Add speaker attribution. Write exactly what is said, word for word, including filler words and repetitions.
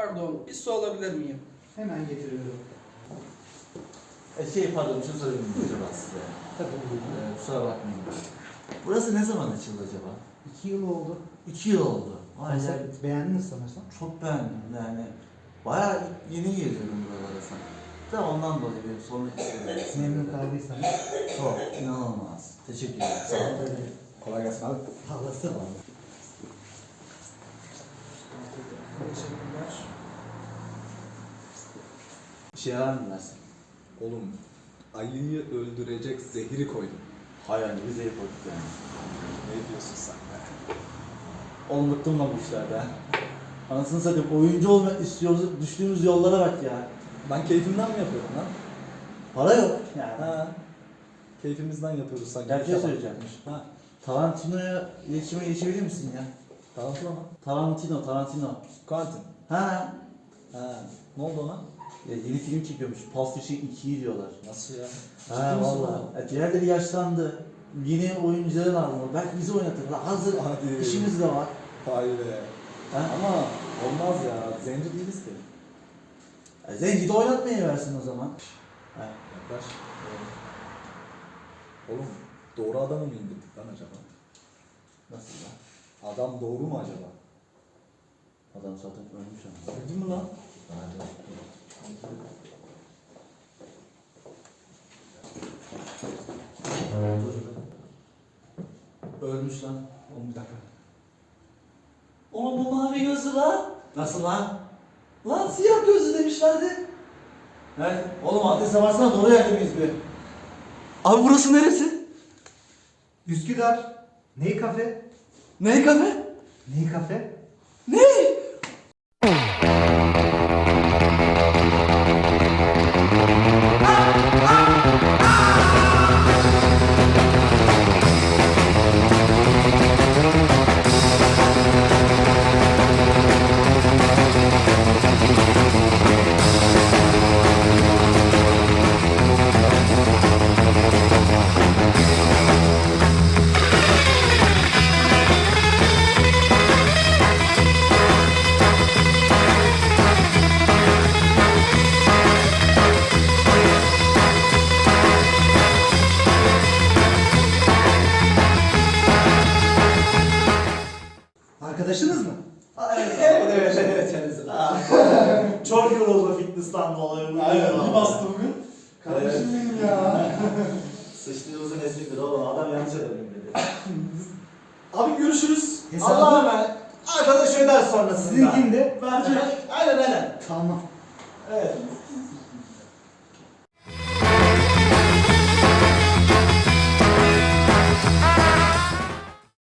Speaker 1: Pardon, bir su alabilir miyim?
Speaker 2: Hemen getiriyorum.
Speaker 3: E şey pardon şunu sorayım acaba size.
Speaker 2: Tabii buyurun.
Speaker 3: Ee, kusura bakmayın. Burası ne zaman açıldı acaba?
Speaker 2: İki yıl oldu.
Speaker 3: İki yıl oldu. Vay
Speaker 2: Sen
Speaker 3: ya,
Speaker 2: beğendiniz sanırsam.
Speaker 3: çok beğendim yani. Bayağı yeni geziyorum buralara sanki. Da ondan dolayı benim sormak istedim.
Speaker 2: Memnun kaldıysanız.
Speaker 3: Çok inanılmaz. Teşekkür ederim. Sağ olun.
Speaker 2: Kolay gelsin abi. Havası var.
Speaker 1: Teşekkürler.
Speaker 3: Bir şey var mı dersin?
Speaker 4: Oğlum, Ali'yi öldürecek zehri koydum.
Speaker 3: Hayır yani bize yapalım yani.
Speaker 4: Ne diyorsun sen be?
Speaker 3: Oğlum bıktım lan bu işlerden. Anasını satayım oyuncu olmak istiyoruz düştüğümüz yollara bak ya.
Speaker 4: Ben keyfimden mi yapıyorum lan?
Speaker 3: Para yok yani.
Speaker 4: Ha. Keyfimizden yapıyoruz sanki.
Speaker 3: Ya bir şey
Speaker 4: Tamam.
Speaker 3: söyleyeceğim.
Speaker 4: Ha.
Speaker 3: Tarantino'ya iletişime geçebilir misin ya?
Speaker 4: Tarantino mu?
Speaker 3: Tarantino, Tarantino.
Speaker 4: Quentin.
Speaker 3: Ha.
Speaker 4: Ha. Ne oldu ona?
Speaker 3: Ya yeni film çekiyormuş. Pulp Fiction ikiyi diyorlar.
Speaker 4: Nasıl ya?
Speaker 3: Ha
Speaker 4: Ciddi misin
Speaker 3: valla.
Speaker 4: oğlum?
Speaker 3: Ya, diğerleri yaşlandı. Yeni oyuncuları lazım. Belki bizi oynatırlar. Hazır
Speaker 4: Hadi.
Speaker 3: işimiz de var.
Speaker 4: Vay be.
Speaker 3: Ha?
Speaker 4: Ama olmaz ya. Zenci değiliz ki.
Speaker 3: Ya, Zenci de oynatmaya versin o zaman. Ha.
Speaker 4: Yaklaş. Oğlum, doğru adamı mı indirdik lan acaba?
Speaker 3: Nasıl lan?
Speaker 4: Adam doğru mu acaba?
Speaker 3: Adam zaten ölmüş ama.
Speaker 4: Öldü mü lan?
Speaker 3: Ölmüş lan.
Speaker 2: Oğlum bir dakika.
Speaker 3: Oğlum bu mavi gözlü lan. Nasıl lan? Lan siyah gözlü demişlerdi. Evet. Oğlum adrese varsana doğru yerde miyiz bir? Abi burası neresi?
Speaker 2: Üsküdar. Ney kafe?
Speaker 3: Ne kafe?
Speaker 2: Ney kafe?
Speaker 3: Ne?
Speaker 2: Arkadaşınız mı?
Speaker 3: Evet evet evet evet. Çok yoruldu fitness'tan dolayı.
Speaker 2: Aynen, iyi bastı
Speaker 3: bugün.
Speaker 2: Kardeşim benim ya.
Speaker 3: Sıçtığımızın esnidir oğlum adam yanlış ödedim dedi.
Speaker 2: Abi görüşürüz.
Speaker 3: Allah'a emanet. Arkadaş öder sonrasında.
Speaker 2: Sizinkinde.
Speaker 3: Verecek. Aynen aynen.
Speaker 2: Tamam.
Speaker 3: Evet.